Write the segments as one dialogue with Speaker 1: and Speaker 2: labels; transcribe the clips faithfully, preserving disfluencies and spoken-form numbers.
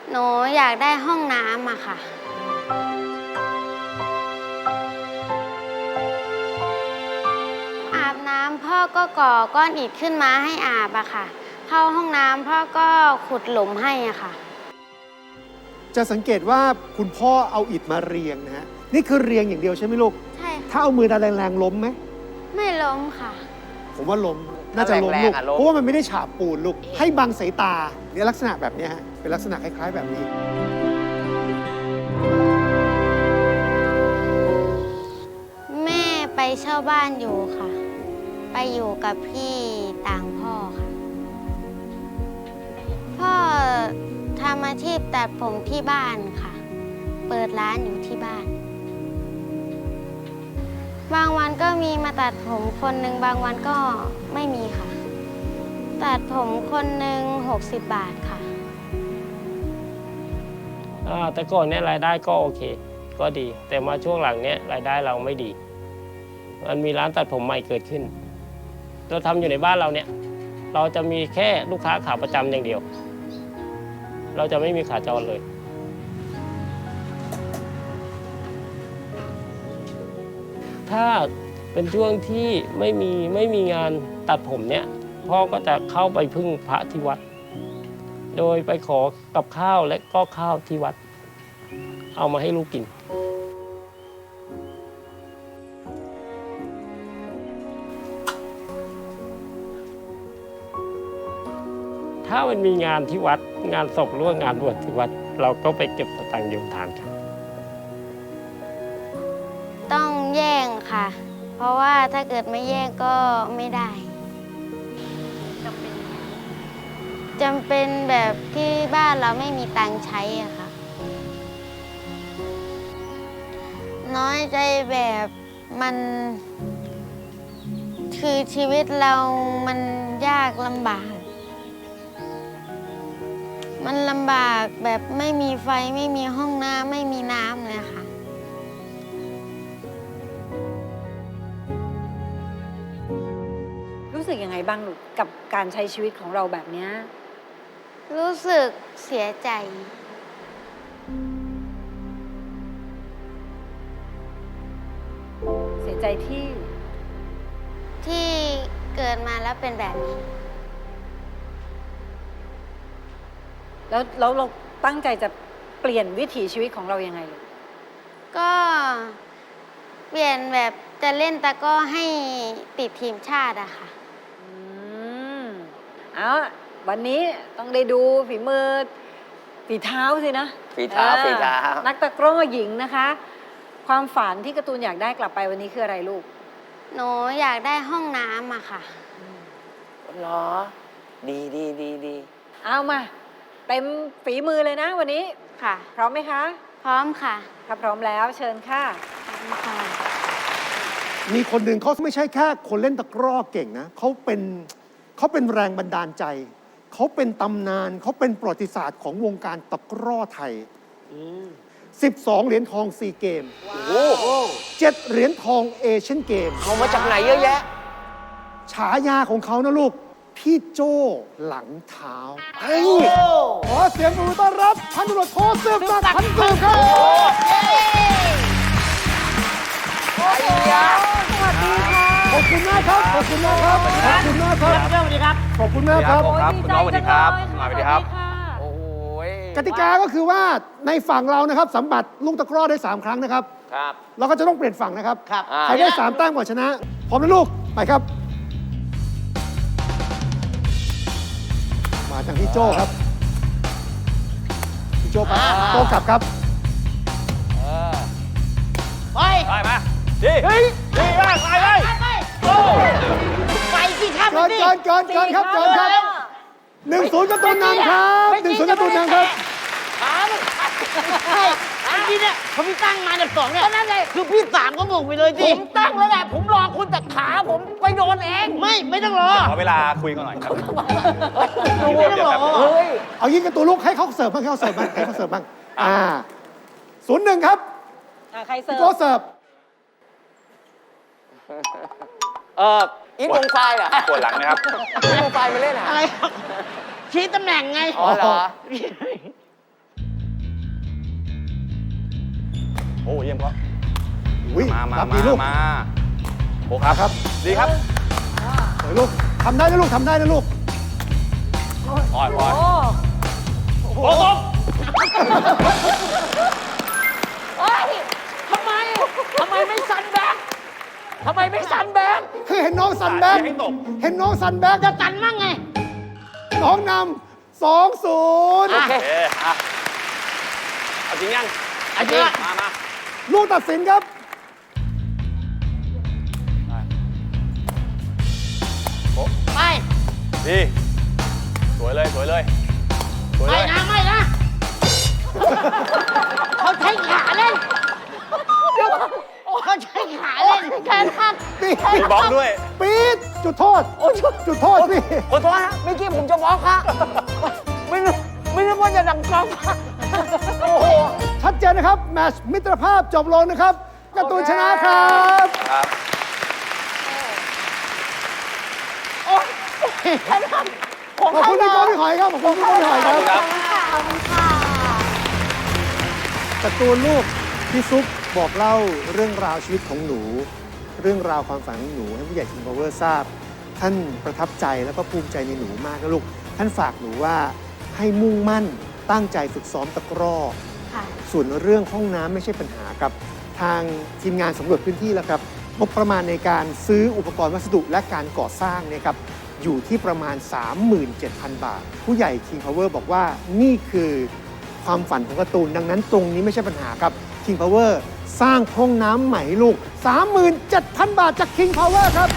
Speaker 1: หนูอยากได้ห้องน้ำอะค่ะอาบน้ำพ่อก็ก่อก้อนอิฐขึ้นมาให้อาบอะค่ะเข้าห้องน้ำพ่อก็ขุดหลุมให้อะค่ะ
Speaker 2: จะสังเกตว่าคุณพ่อเอาอิฐมาเรียงนะฮะนี่คือเรียงอย่างเดียวใช่ไหมลูก
Speaker 1: ใช่
Speaker 2: ถ้าเอามือดันแรงๆล้มไหม
Speaker 1: ไม่ล้มค่ะ
Speaker 2: ผมว่าล้มน่าจะล้มลูกเพราะว่ามันไม่ได้ฉาบปูนลูกให้บังสายตาเนี่ยลักษณะแบบนี้ฮะเป็นลักษณะคล้ายๆแบบนี้
Speaker 1: แม่ไปเช่าบ้านอยู่ค่ะไปอยู่กับพี่ต่างพ่อค่ะพ่อทำอาชีพตัดผมที่บ้านค่ะเปิดร้านอยู่ที่บ้านบางวันก็มีมาตัดผมคนหนึ่งบางวันก็ไม่มีค่ะตัดผมคนหนึ่งหกสิบบาทค่ะ
Speaker 3: แต่ก่อนเนี่ยรายได้ก็โอเคก็ดีแต่มาช่วงหลังเนี้ยรายได้เราไม่ดีมันมีร้านตัดผมใหม่เกิดขึ้นเราทำอยู่ในบ้านเราเนี่ยเราจะมีแค่ลูกค้าขาประจำอย่างเดียวเราจะไม่มีขาจรเลยถ้าเป็นช่วงที่ไม่มีไม่มีงานตัดผมเนี่ยพ่อก็จะเข้าไปพึ่งพระที่วัดโดยไปขอกับข้าวและก็ข้าวที่วัดเอามาให้ลูกกินถ้ามันมีงานที่วัดงานศพหรือว่างานบวชที่วัดเราก็ไปเก็บสตังค์โยมทานกัน
Speaker 1: ต้องแย่งค่ะเพราะว่าถ้าเกิดไม่แย่งก็ไม่ได้จำเป็นแบบที่บ้านเราไม่มีตังค์ใช้อะค่ะน้อยใจแบบมันคือชีวิตเรามันยากลำบากมันลำบากแบบไม่มีไฟไม่มีห้องน้ำไม่มีน้ำเลยค่ะ
Speaker 4: รู้สึกยังไงบ้างลูกกับการใช้ชีวิตของเราแบบนี้
Speaker 1: รู้สึกเสียใจ
Speaker 4: เสียใจที่
Speaker 1: ที่เกิดมาแล้วเป็นแบบนี้
Speaker 4: แล้วแล้วเราตั้งใจจะเปลี่ยนวิถีชีวิตของเรายังไงลูก
Speaker 1: ก็เปลี่ยนแบบจะเล่นตะกร้อให้ติดทีมชาติอะค่ะ
Speaker 4: อืมเอาวันนี้ต้องได้ดูฝีมือฝีเท้าสินะ
Speaker 5: ฝีเท้าฝีเท้า
Speaker 4: นักตะกร้อหญิงนะคะความฝันที่การ์ตูนอยากได้กลับไปวันนี้คืออะไรลูก
Speaker 1: หนูอยากได้ห้องน้ำอะค่ะ
Speaker 5: เหรอดีดีดีดี
Speaker 4: เอามาเต็มฝีมือเลยนะวันนี้
Speaker 1: ค่ะ
Speaker 4: พร้อมไหมคะ
Speaker 1: พร้อมค่ะ
Speaker 4: ถ้าพร้อมแล้วเชิญค่ะ
Speaker 1: พร้อมค่ะ
Speaker 2: มีคนหนึ่งเขาไม่ใช่แค่คนเล่นตะกร้อเก่งนะเขาเป็นเขาเป็นแรงบันดาลใจเขาเป็นตำนานเขาเป็นประวัติศาสตร์ของวงการตะกร้อไทยสิบสองเหรียญทองซีเกมเจ็ดเหรียญทองเอเชียนเกม
Speaker 5: เอามาจากไหนเยอะแยะ
Speaker 2: ฉายาของเขานะลูกพี่โจ้หลังเท้าขอเสียงปรบมือต้อนรับพันตำรวจโทสืบศักดิ์พันสืบครับ
Speaker 4: สวัสดีค่ะ
Speaker 2: ขอบคุณมากครับขอบคุณมากครับขอบคุณมากครับ
Speaker 6: สวัสดีครับ
Speaker 2: ขอบคุณมากครับ
Speaker 4: คุณน้องสวัสดีครับสวัสดีครับ
Speaker 5: โอ้ย
Speaker 2: กติกาก็คือว่าในฝั่งเรานะครับสัมบัติลูกตะกร้อได้สามครั้งนะครับ
Speaker 5: ครับ
Speaker 2: เราก็จะต้องเปลี่ยนฝั่งนะครับ
Speaker 6: ครับ
Speaker 2: ใครได้สามแต้มก่อนชนะพร้อมนะลูกไปครับมาจากพี่โจ้ครับพี่โจ้ไปโต้กลับครับ
Speaker 6: ไป
Speaker 5: ไปมาดีดีมากไปเลย
Speaker 6: ไปที่ท่า
Speaker 2: เกินเกินเกินเกินครับเกินครับหนึ่งศูนย์การ์ตูนนำครับหนึ่งศูนย์การ์ตูนนำครับ
Speaker 6: ใช่ไอ้ที่เนี่ยผมพี่ตั้งมาเนี่ยสองเนี่ยนั่นเลยคือพี่สามก็งงไปเลยดิผมตั้งแล้วแหละผมรอคุณแต่ขาผมไปโดนเองไม่ไม่ต้องรอ
Speaker 5: ขอเวลาคุยกันหน่อยครับ
Speaker 6: ไม่ต้องรอเฮ้ย
Speaker 2: เอายิงการ์ตูนลูกให้เขาเสิร์ฟบ้างให้เขาเสิร์ฟบ้างให้เขาเสิร์ฟบ้างอ่าศูนย์หนึ่งครับ
Speaker 4: ใครเสิร์ฟ
Speaker 2: โจ้เสิร์ฟ
Speaker 5: เอออีทวงไฟเหรอปวดหลังนะครับอีทวงไฟมาเล่นอะไร
Speaker 6: ชี้ตำแหน่งไง
Speaker 5: อ๋อเหรออ้เยี่ยมครับ
Speaker 2: อุ๊ย
Speaker 5: มามา
Speaker 2: รับ
Speaker 5: มา
Speaker 2: ดีลูก
Speaker 5: มาโอ้ครับ
Speaker 2: ครับ
Speaker 5: ดีครับ
Speaker 2: สวยลูกทำได้นะลูกทำได้นะลูก
Speaker 5: ปล่อยปล่อย
Speaker 4: โอ้
Speaker 5: โอ้ตบ
Speaker 6: เฮ้ยทำไม ทำไมไม่ซันแบ็กทำไมไม่ซันแบ็ก
Speaker 2: คือเห็นน้องซันแบ็ก
Speaker 5: ให้ตก
Speaker 2: เห็นน้องซันแบ็ก
Speaker 6: จะตันมั่งไง
Speaker 2: น้องนำสองศูนย์
Speaker 5: โอเคอ่ะเอาจริงยัง
Speaker 6: เอาจริง
Speaker 5: มามา
Speaker 2: ลูกตัดสินครับ
Speaker 6: ไป
Speaker 5: ดี สวยเลย สวยเลย สวย
Speaker 6: ไม่
Speaker 5: เลย
Speaker 6: นะ ไม่นะ เขาใช้ขาเล่นเขาใช้ขาเล่นแขนหัก
Speaker 2: ปี๊ด
Speaker 5: มีบล็อกด้วย
Speaker 2: ปี๊ดจุดโทษ
Speaker 6: โอ้ย
Speaker 2: จุดโทษพี่
Speaker 6: ขอโทษฮะเมื่อกี้ผมจะบล็อกฮะไม่นึกไม่นึกว่าจะดังกล้องฮะโอ้โห
Speaker 2: ชัดเจนนะครับ แมตช์มิตรภาพจบลงนะครับการ์ตูนชนะครับ
Speaker 5: ครับ
Speaker 6: โอ้ยแขนหักของ
Speaker 2: ขอบ
Speaker 6: ใคร
Speaker 2: คุณพี่
Speaker 6: นะ
Speaker 2: โก้พี่หอยครับ ขอบคุณพี่โก้พี่หอยครับ
Speaker 5: ครับ
Speaker 1: ขอบคุณค่ะ
Speaker 2: การ์ตูนลูกพี่ซุปบอกเล่าเรื่องราวชีวิตของหนู เรื่องราวความฝันของหนูให้ผู้ใหญ่คิงพาวเวอร์ทราบ ท่านประทับใจแล้วก็ภูมิใจในหนูมากนะลูก ท่านฝากหนูว่าให้มุ่งมั่นตั้งใจฝึกซ้อมตะกร้อ
Speaker 1: ค่ะ
Speaker 2: ส่วนเรื่องห้องน้ำไม่ใช่ปัญหาครับ ทางทีมงานสำรวจพื้นที่แล้วครับงบประมาณในการซื้ออุปกรณ์วัสดุและการก่อสร้างเนี่ยครับอยู่ที่ประมาณ สามหมื่นเจ็ดพัน บาท ผู้ใหญ่ King Power บอกว่านี่คือความฝันของการ์ตูน ดังนั้นตรงนี้ไม่ใช่ปัญหาครับ King Power สร้างห้องน้ำใหม่ให้ลูก สามหมื่นเจ็ดพัน บาทจาก King Power ครับ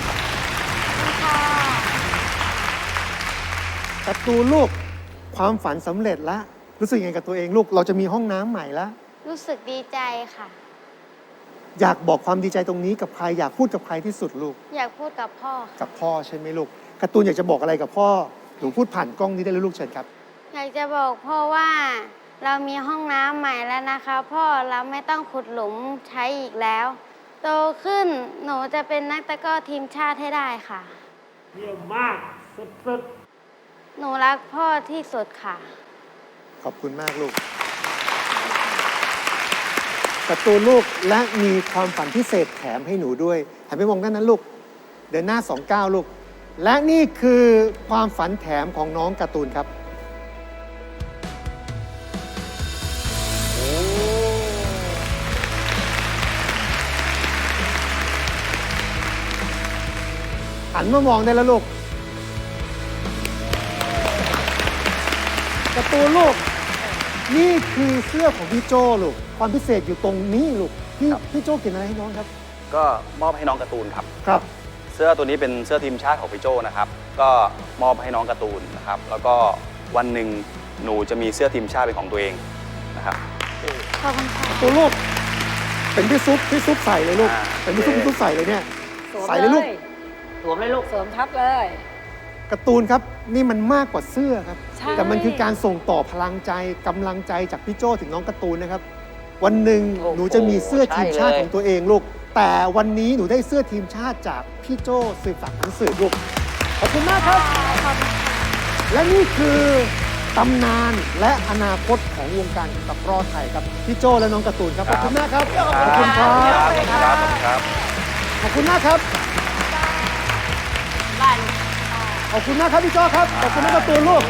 Speaker 2: การ์ตูนลูกความฝันสำเร็จแล้วรู้สึกยังไงกับตัวเองลูกเราจะมีห้องน้ำใหม่แล้ว
Speaker 1: รู้สึกดีใจค่ะ
Speaker 2: อยากบอกความดีใจตรงนี้กับใครอยากพูดกับใครที่สุดลูก
Speaker 1: อยากพูดกับพ่อค่ะ
Speaker 2: กับพ่อใช่ไหมลูกการ์ตูนอยากจะบอกอะไรกับพ่อหนูพูดผ่านกล้องนี้ได้เลยลูกเชิญครับ
Speaker 1: อยากจะบอกพ่อว่าเรามีห้องน้ำใหม่แล้วนะคะ พ่อเราไม่ต้องขุดหลุมใช้อีกแล้ว โตขึ้นหนูจะเป็นนักตะกร้อทีมชาติให้ได้ค่ะ
Speaker 3: เยี่ยมมาก สุด
Speaker 1: หนูรักพ่อที่สุดค่ะ
Speaker 2: ขอบคุณมากลูกการ์ตูนลูกและมีความฝันพิเศษแถมให้หนูด้วยหันไปมองด้านนั้นลูกเดินหน้าสองเก้าลูกและนี่คือความฝันแถมของน้องการ์ตูนครับหันมามองได้แล้วลูกการ์ตูนลูกนี่คือเสื้อของพี่โจ้ลูกความพิเศษอยู่ตรงนี้ลูกพี่พี่โจ้เขียนอะไรให้น้องครับ
Speaker 5: ก็มอบให้น้องการ์ตูนครับ
Speaker 2: ครับ
Speaker 5: เสื้อตัวนี้เป็นเสื้อทีมชาติของพี่โจนะครับ ก็มอบให้น้องการ์ตูนนะครับ แล้วก็วันหนึ่งหนูจะมีเสื้อทีมชาติเป็นของตัวเองนะครับ
Speaker 1: ขอบคุณค่ะ
Speaker 2: ตัวลูกเป็นพี่ซุปพี่ซุปใส่เลยลูก
Speaker 5: อ่า
Speaker 2: เป็นพี่ซุปพี่ซุปใส่เลยเนี่ย
Speaker 4: สวม
Speaker 2: ใส่เลยลูก
Speaker 6: สวมเลยลูก
Speaker 4: สวมทับเลย
Speaker 2: การ์ตูนครับนี่มันมากกว่าเสื้อครับ
Speaker 4: ใช่
Speaker 2: แต่มันคือการส่งต่อพลังใจกำลังใจจากพี่โจถึงน้องการ์ตูนนะครับ วันหนึ่ง
Speaker 6: โอ้โห
Speaker 2: หนูจะมีเสื้อทีมชาติ
Speaker 6: ใช่เลย
Speaker 2: ของตัวเองลูก แต่วันนี้หนูได้เสื้อทีมชาติจากพี่โจสืบสักดิ์หนังสือลูกขอบคุณมากครับ และนี่คือตำนานและอนาคตของวงการตะกร้อไทยครับพี่โจและน้องการ์ตูนครับขอบคุณมากครับขอบคุณครับ
Speaker 5: ครับครับครับ
Speaker 2: ขอบคุณมากครับ ขอบคุณมากครับพี่โจ้ครับ ขอบคุณมากการ์ตูนลูก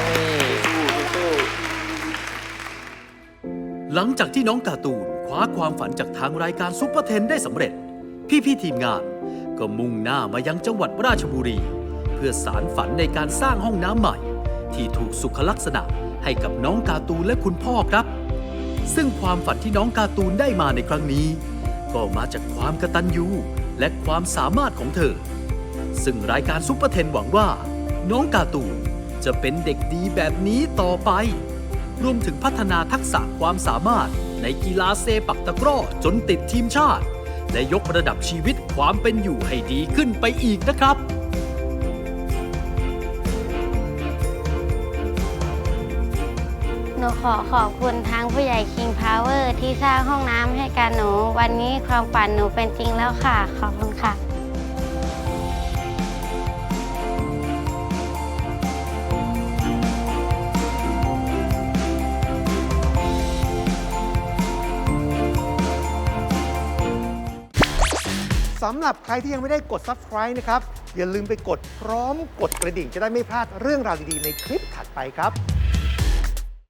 Speaker 7: หลังจากที่น้องการ์ตูนคว้าความฝันจากทางรายการซุปเปอร์เทนได้สำเร็จ พี่ๆทีมงานก็มุ่งหน้ามายังจังหวัดราชบุรี เพื่อสารฝันในการสร้างห้องน้ำใหม่ ที่ถูกสุขลักษณะให้กับน้องการ์ตูนและคุณพ่อครับ ซึ่งความฝันที่น้องการ์ตูนได้มาในครั้งนี้ ก็มาจากความกตัญญูและความสามารถของเธอ ซึ่งรายการซุปเปอร์เทนหวังว่า น้องการ์ตูนจะเป็นเด็กดีแบบนี้ต่อไป รวมถึงพัฒนาทักษะความสามารถในกีฬาเซปักตะกร้อจนติดทีมชาติ และยกระดับชีวิตความเป็นอยู่ให้ดีขึ้นไปอีกนะครับ
Speaker 1: หนูขอขอบคุณทางผู้ใหญ่ King Power ที่สร้างห้องน้ำให้กับหนู วันนี้ความฝันหนูเป็นจริงแล้วค่ะ ขอบคุณค่ะ
Speaker 2: ำหรับใครที่ยังไม่ได้กด Subscribe นะครับ อย่าลืมไปกดพร้อมกดกระดิ่งจะได้ไม่พลาดเรื่องราวดีๆในคลิปถัดไปครับ